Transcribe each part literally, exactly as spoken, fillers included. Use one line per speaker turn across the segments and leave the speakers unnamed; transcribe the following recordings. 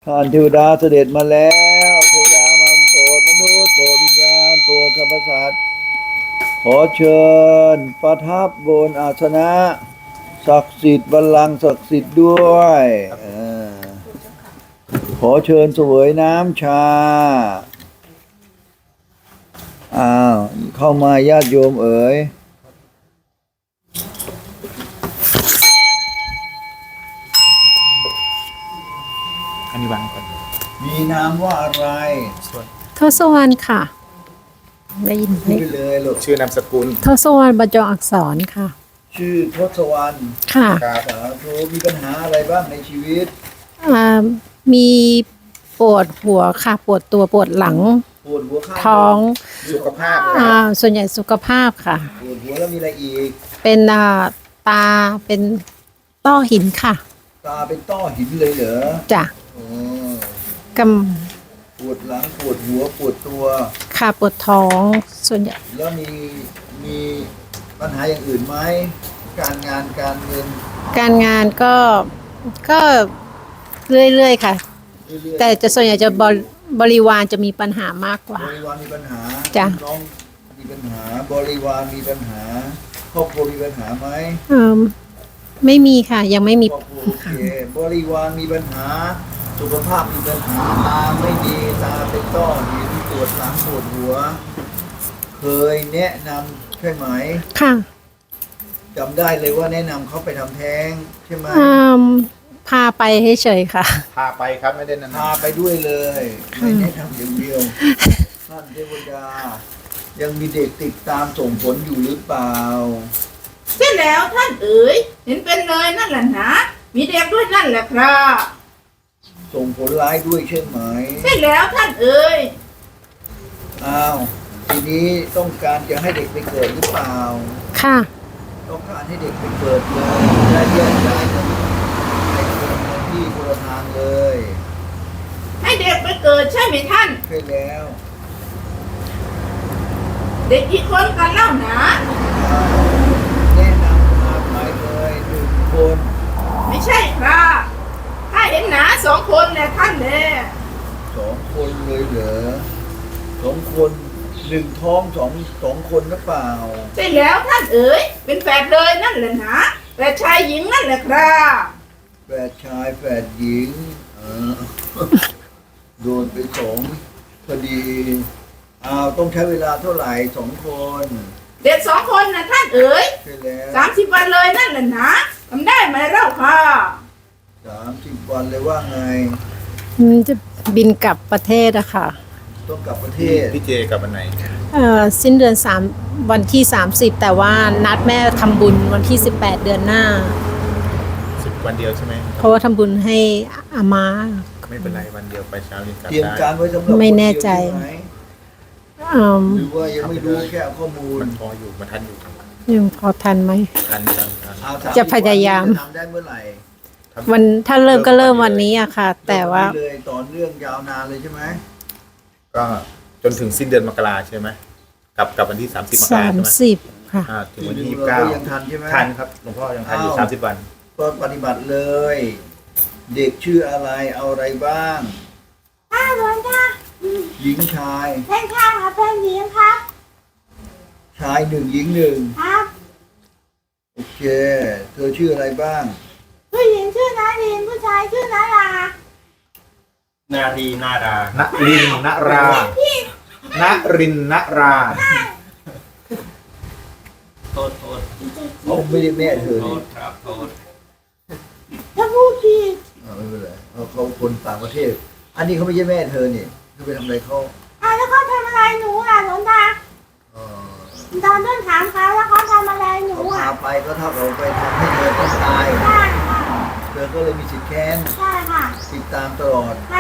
ท่านเทวดาเสด็จมาแล้วเทวดามาโปรดมนุษย์โปรดวิญญาณโปรดสรรพสัตว์ขอเชิญประทับบนอาสนะศักดิ์สิทธิ์บัลลังก์ศักดิ์สิทธิ์ด้วยเออขอเชิญเสวยน้ำชาอ้าวเข้ามาญาติโยมเอ๋ย
อันนี้วางก่อน
มีนามว่าอะไร
ส่วน
ทศวรรณค่ะ ได้ยินไหม
พูดไปเลยลูก
ชื่อนามสกุล
ทศวรรณบรรจงอักษรค่ะ
ชื่อทศวรรณ
ค่ะ
ครับ
สาธุมีปัญหาอะไรบ้างในชีวิต
อ่ามีปวดหัวค่ะ ปวดตัวปวดหลัง
ปวดหัวข้าง
ท้อง
สุขภาพนะค
อ่า
รับ
ส่วนใหญ่สุขภาพค่ะ
ปวดหัวแล้วมีอะไรอีก
เป็นอ่าตาเป็นต้อหินค่ะ
ตาเป็นต้อหินเลยเหรอ
จ้ะ
อ๋อก ปวดหลังปวดหัวปวดตัว
ำค่ะปวดท้องส่วนใหญ่
แล้วมีมีปัญหาอย่างอื่นไหมการงานการเงิน
การงานก็ก็เรื่อยๆค่ะ
เรื่อยๆ
แต่จะส่วนใหญ่จะบริบริวารจะมีปัญหามากกว่า
บริวารมีปัญหา
จ้ะ
น้องมีปัญหา บริวารมีปัญหาครอบครัวมีปัญหาไหม
เอ่อไม่มีค่ะ ยังไม่มี
ครอบครัวโอเคบริวารมีปัญหา สุขภาพมีปัญหาตาไม่ดีตาเป็นต้อหินปวดหลังปวดหัว เคยแนะนำใช่ไหม
ค่ะ
จำได้เลยว่าแนะนำเขาไปทำแท้งใช่ไหม
อืมพาไปเฉยๆค่ะ
พาไปครับไม่ได้นาน
พาไปด้วยเลยไม่แนะนำอย่างเดียวท่านเทวดา ยังมีเด็กติดตามส่งผลอยู่หรือเปล่า
ใช่แล้วท่านเอ๋ยเห็นเป็นเลยนั่นแหละนะมีเด็กด้วยนั่นแหละครับ
ส่งผลร้ายด้วยใช่ไหม
ใช่แล้วท่านเอ๋ย
อ้าวทีนี้ต้องการจะให้เด็กไปเกิดหรือเปล่า
ค่ะ
ต้องการให้เด็กไปเกิดเลยได้แยกย้ายกันไปคนละที่คนละทางเลย
ให้เด็กไปเกิดใช่ไหมท่าน
ใช่แล้ว
เด็กกี่คนกันเล่าหนา
อ้าวแนะนำมาไปเลยหนึ่งคน
ไม่ใช่ครับถ้าเห็นหนาสองคนแหละท่านแน่
สองคนเลยเหรอสองคนหนึ่งท้องสองสองคนหรือเปล่า
ใช่แล้วท่านเอ๋ยเป็นแฝดเลยนั่นแหละนะแฝดชายหญิงนั่นแหละครับ
แฝดชายแฝดหญิงเออ โดนไปสองพอดีอ้าวต้องใช้เวลาเท่าไหร่สองคน
เด็กสองคนนะท่านเอ๋ย
ใช่แล้ว
สามสิบวันเลยนั่นแหละนะทำได้ไหมเล่าค่ะ
สามสิบวันเลยว่าไง
อืมจะบินกลับประเทศอะค่ะ
ต้องกลับประเทศ
ๆพี่เจกับวันไหน
เอ่อสิ้นเดือนสามวันที่สามสิบแต่ว่านัดแม่ทำบุญวันที่สิบแปดเดือนหน้า
สิบวันเดียวใช่ไหม
เพราะว่าทำบุญให้อาม่า
ไม่เป็นไรวันเดียวไปเช้าเย็นกลับ
เตรียม
ได้
การไว้สำหรับ
ไม่แน่ใจ
คนเดียวช่ไหม
อืม
หรือว่ายังไม่รู้แค่เอาข้อมูล
มันพออยู่มันทันอยู่
ยังพอทันไหม
ทันทันทัน
เอาสามสิบ
จะพยายาม
วันนี้จะทำได้เมื่อไหร่
วันถ้าเริ่มก็เริ่มวันนี้อะค่ะ แต่ว่า
เริ่มเลยต่อเนื่องยาวนานเลยใช่ไหม
ก็จนถึงสิ้นเดือนมกราใช่ไหมกลับกลับวันที่สามสิบมก
สา
ราใช่
ม
ไหม
สิบค่ะ
อ่าถึงวันที่
ปี
ยี่
ห
สิบเก้า
เรายังทันใช่ไหม
ทันครับหลวงพ่อยังทันอยู่
อ้าว
สามสิบวัน
ก็ปฏิบัติเลย เด็กชื่ออะไรเอาอะไรบ้าง
อ้าวหลวงตา
หญิงชาย
เป็นข้างครับเป็นหญิงครับ
ชายหนึ่งหญิงหนึ่ง
ครับ
โอเค เธอชื่ออะไรบ้าง
ผู้หญิงชื่อนารินผู้ชายชื่อนารา
นารีนาดา
ณรินณราณรินณรา
โทษโทษ
เขาไม่ได้แม่เธอ
โท
นี่
ษครับโทษ
ถ้าพูดผิด
อ่าไม่เป็นไรเขาเขาคนต่างประเทศ อันนี้เขาไม่ใช่แม่เธอนี่เธอไปทำอะไรเขา
อ่าแล้วเขาทำอะไรหนูล่ะหลวงตา
เอ่อ
ตอนต้นถามเขาแล้วเขาทำอะไรหนู
เขา
อ่ะ
พาไปก็เท่ากับไปทำให้เธอต้องตาย
ใช่ค่ะ
เธอก็เลยมีสิทธิ์แค้น
ใช่ค่ะ
ติดตามตลอด
ค่ะ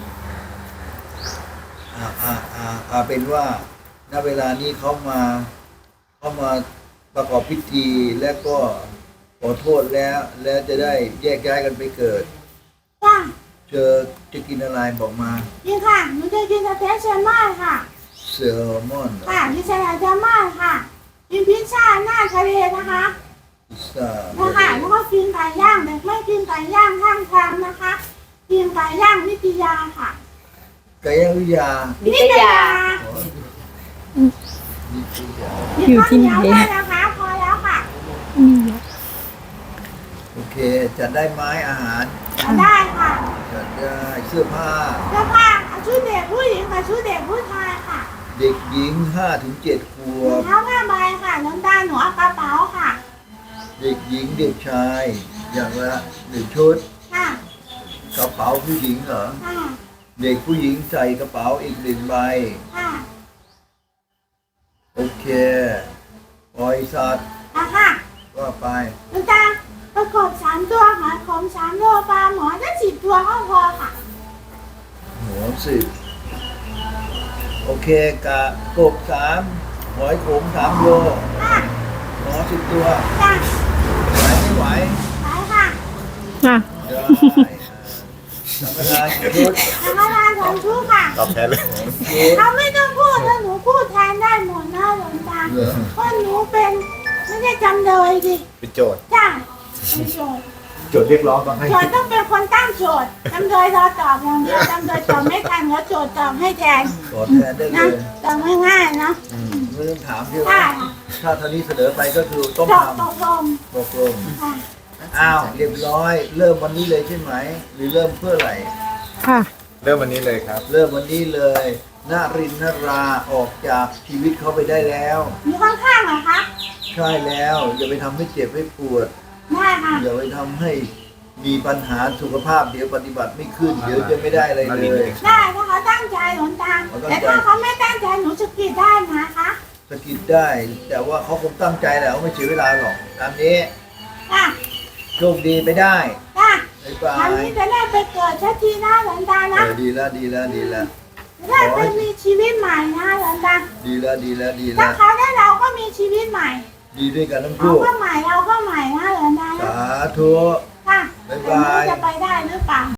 อ่าอ่าอ่าอ่าเป็นว่าณเวลานี้เขามาเขามาประกอบพิธีและก็ขอโทษแล้ว แล้วจะได้แยกย้ายกันไปเกิด
จ้า
เจอจะกินอะไรบอกมา
จริงค่ะหนูจะกินสเต็กแซลมอนค่ะ
แซลมอนเหรอ
ค่ะกินสลัดแซลมอนค่ะกินพิซซ่าหน้าทะเลนะคะ
พิซซ่า
นะคะแล้วก็กินไก่ย่างแต่ไม่กินไก่ย่างข้างทางนะคะกิกินไก่ย่างนิตยาค่ะ
ไก่ย่างวิทยา
นิตยา
อ๋อนิตยา
อยู่ที่ไหน
มีข้าวเหนียวด้วยนะคะพอแล้วค่ะ
โอเคจัดได้ไหมอาหาร
ได้ค่ะ
จัดได้เสื้อผ้า
เสื้อผ้าเอาชุดเด็กผู้หญิงกับชุดเด็กผู้ชายค่ะ
เด็กหญิงห้าถึงเจ็ดขว
รอง
บ
เท้าผ้าใบค่ะน้ำตาหนูเอากระเป๋าค่ะ
เด็กหญิงเด็กชายอย่างละหนึ่งชุด
ค่ะ
กระเป๋าผู้หญิงเหรอ
ค่ะ
เด็กผู้หญิงใส่กระเป๋าอีกหนึ่งใบ
ค่ะ
โอเคบริษัท
ค่ะค่ะ
ว่าไป
น้ำตาประกบสามตัวหอยขมสามตัวปลาหมอได้สิบตัวก็พอค่ะ
หัวสิบโอเคกะกบสามหอยขมสามโล
ค่ะ
หมอสิบตัว
จ้ะ
ไหวไม่ไหว
ไปค่ะ
อ่ะ
ได้สังฆทานชุด
ทำงานของชุกค่ะ
ตอบแทนเลย
โอเค
เขาไม่ต้องพูดแล้วหนูพูดแทนได้หมดนะหลวงตา
เหรอ
เพราะหนูเป็นไม่ได้จำเลยดิ
เป็นโจทย์
จ้ะเป็นโจทย์
โจทย์เรียกร้องต้องให้
โจทย์ต้องเป็นคนตั้งโจทย์จำเลยรอตอบอย่างเดียวจำเลยตอบไม่ทันแล้วโจทย์ตอบให้แทน
ขอแทนได้เล
นะ
ย
ตอบง่ายๆนะ
ไม่ต้องถามพี่
ค่ะ
ว่าถ้าท่านี้เสนอไปก็คือต้อง
ต
ท
อบตกลง
ำตกลง
ค่ะ
อ้าวเรียบร้อย เริ่มวันนี้เลยใช่ไหม หรือเริ่มเพื่ออะไร
ค่ะ
เริ่มวันนี้เลยครับ
เริ่มวันนี้เลยนารินนราออกจากชีวิตเขาไปได้แล้ว
อยู่ข้างๆเหรอคะ
ใช่แล้วอย่าไปทำให้เจ็บให้ปวด
ได้ค่ะ
อย่าไปทำให้มีปัญหาสุขภาพเดี๋ยวปฏิบัติไม่ขึ้น เดี๋ยวจะไม่ได้อะไรเลย
ได้ถ้าเขาตั้งใจหลวงตา
เขาตั้งใจ
แต่ถ้าเขาไม่ตั้งใจหนูจะกรีดได้นะคะ
สะกิดได้ แต่ว่าเขาคงตั้งใจแหละเขาไม่เสียเวลาหรอกตามนี้
ค่ะ
โชคดีไปได้
ค่ะ
บ๊ายบา
ทาง
ย
นี้จะได้ไปเกิดชักทีนะหลวงตา
เอ
นะ
อดีแล้วดีแล้วดีแล้ว
จะได้ไปมีชีวิตใหม่นะหลวงตา
ดีแล้วดีแล้วดี
ถ้า
แล้ว
เขาได้เราก็มีชีวิตใหม่
ดีด้วยกันทั้ง
เขา
คู่
ก็ใหม่เราก็ใหม่นะหลวงตานะ
สาธุ
ค่ะ
บ๊าย
แต่
บาย
ไม่รู้จะไปได้หรือเปล่า